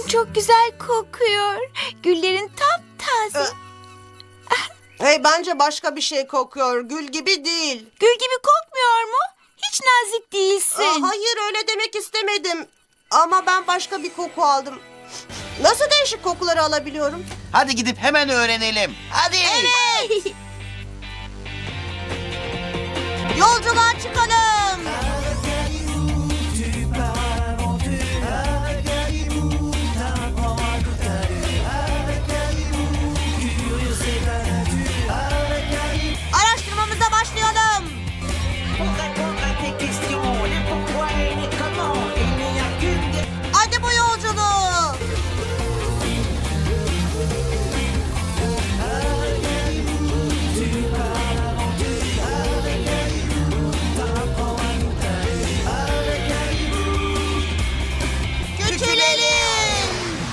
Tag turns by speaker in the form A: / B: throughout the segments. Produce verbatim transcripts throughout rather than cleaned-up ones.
A: çok güzel kokuyor. Güllerin taptaze.
B: Hey, bence başka bir şey kokuyor. Gül gibi değil.
A: Gül gibi kokmuyor mu? Hiç nazik değilsin.
B: Aa, hayır, öyle demek istemedim. Ama ben başka bir koku aldım. Nasıl değişik kokuları alabiliyorum?
C: Hadi gidip hemen öğrenelim. Hadi.
B: Yolculuğa çıkalım. Araştırmamıza başlayalım. Hadi bu yolculuğu. Küçülelim.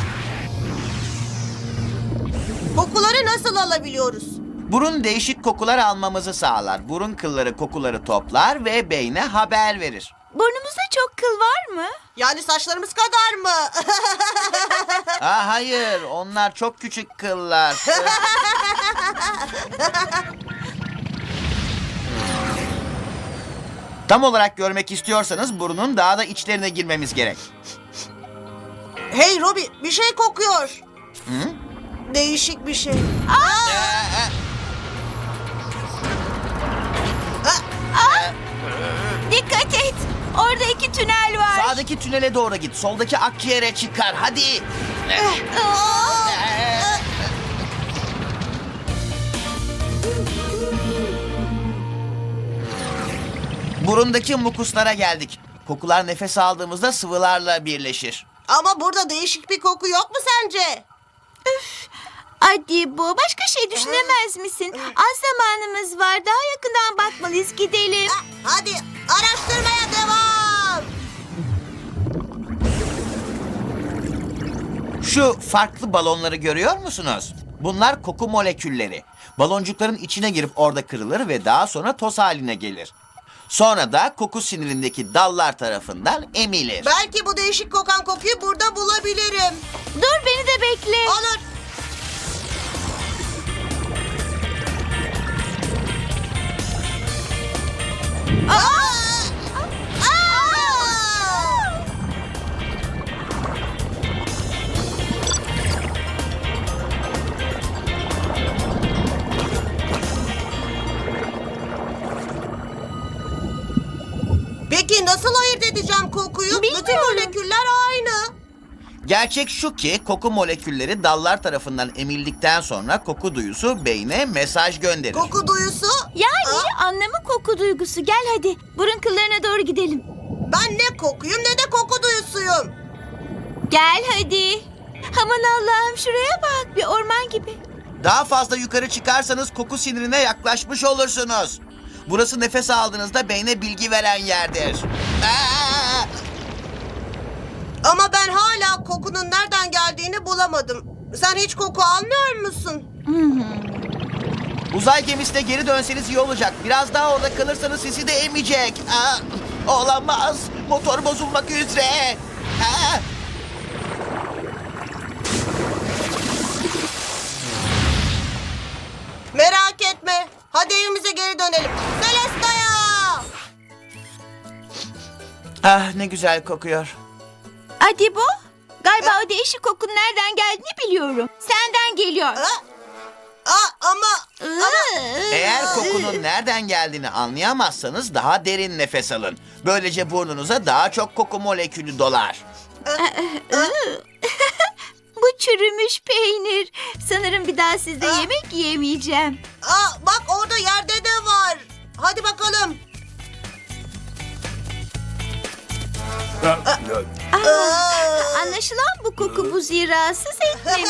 B: Kokuları nasıl alabiliyoruz?
C: Burun değişik kokular almamızı sağlar. Burun kılları kokuları toplar ve beyne haber verir.
A: Burnumuzda çok kıl var mı?
B: Yani saçlarımız kadar mı?
C: Aa, hayır, onlar çok küçük kıllar. Tam olarak görmek istiyorsanız burnun daha da içlerine girmemiz gerek.
B: Hey Robi, bir şey kokuyor.
C: Hı?
B: Değişik bir şey.
C: Ee,
A: Dikkat et. Orada iki tünel var.
C: Sağdaki tünele doğru git. Soldaki akciğere çıkar. Hadi.
A: Aa!
C: Burundaki mukuslara geldik. Kokular nefes aldığımızda sıvılarla birleşir.
B: Ama burada değişik bir koku yok mu sence?
A: Hadi bu. Başka şey düşünemez misin? Az zamanımız var. Daha yakından bakmalıyız. Gidelim.
B: Ha, hadi araştırmaya devam.
C: Şu farklı balonları görüyor musunuz? Bunlar koku molekülleri. Baloncukların içine girip orada kırılır ve daha sonra toz haline gelir. Sonra da koku sinirindeki dallar tarafından emilir.
B: Belki bu değişik kokan kokuyu burada bulabilirim.
A: Dur, beni de bekle.
B: Olur. Aa! Aa! Peki nasıl ayırt edeceğim kokuyu? Bütün
A: Bilmiyorum.
B: moleküller aynı.
C: Gerçek şu ki koku molekülleri dallar tarafından emildikten sonra koku duyusu beyne mesaj gönderir.
B: Koku duyusu?
A: Yani
B: Aa,
A: anlamı koku duygusu. Gel hadi. Burun kıllarına doğru gidelim.
B: ben ne kokuyum ne de koku duyusuyum.
A: Gel hadi. Aman Allah'ım, şuraya bak. Bir orman gibi.
C: Daha fazla yukarı çıkarsanız koku sinirine yaklaşmış olursunuz. Burası nefes aldığınızda beyne bilgi veren yerdir. Aa!
B: Ama ben hala kokunun nereden geldiğini bulamadım. Sen hiç koku almıyor musun?
C: Uzay gemisine geri dönseniz iyi olacak. Biraz daha orada kalırsanız sizi de emecek. Aa, olamaz. Motor bozulmak üzere. Aa.
B: Merak etme. Hadi evimize geri dönelim. Celesta'ya!
C: Ah, ne güzel kokuyor.
A: Hadi bu. Galiba o değişik kokunun nereden geldiğini biliyorum. Senden geliyor.
B: Ha? Aa, ama...
C: Eğer kokunun nereden geldiğini anlayamazsanız daha derin nefes alın. Böylece burnunuza daha çok koku molekülü dolar.
A: Bu çürümüş peynir. Sanırım bir daha sizde
B: Aa.
A: yemek yiyemeyeceğim.
B: Aa, bak orada yerde de var. Hadi bakalım.
A: Aa, anlaşılan bu koku buziyi rahatsız etmemiş.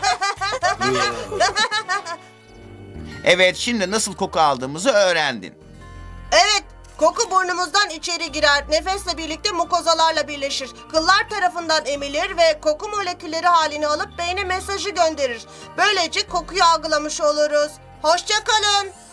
C: Evet, şimdi nasıl koku aldığımızı öğrendin.
B: Evet, koku burnumuzdan içeri girer. Nefesle birlikte mukozalarla birleşir. Kıllar tarafından emilir ve koku molekülleri halini alıp beyne mesajı gönderir. Böylece kokuyu algılamış oluruz. Hoşça kalın.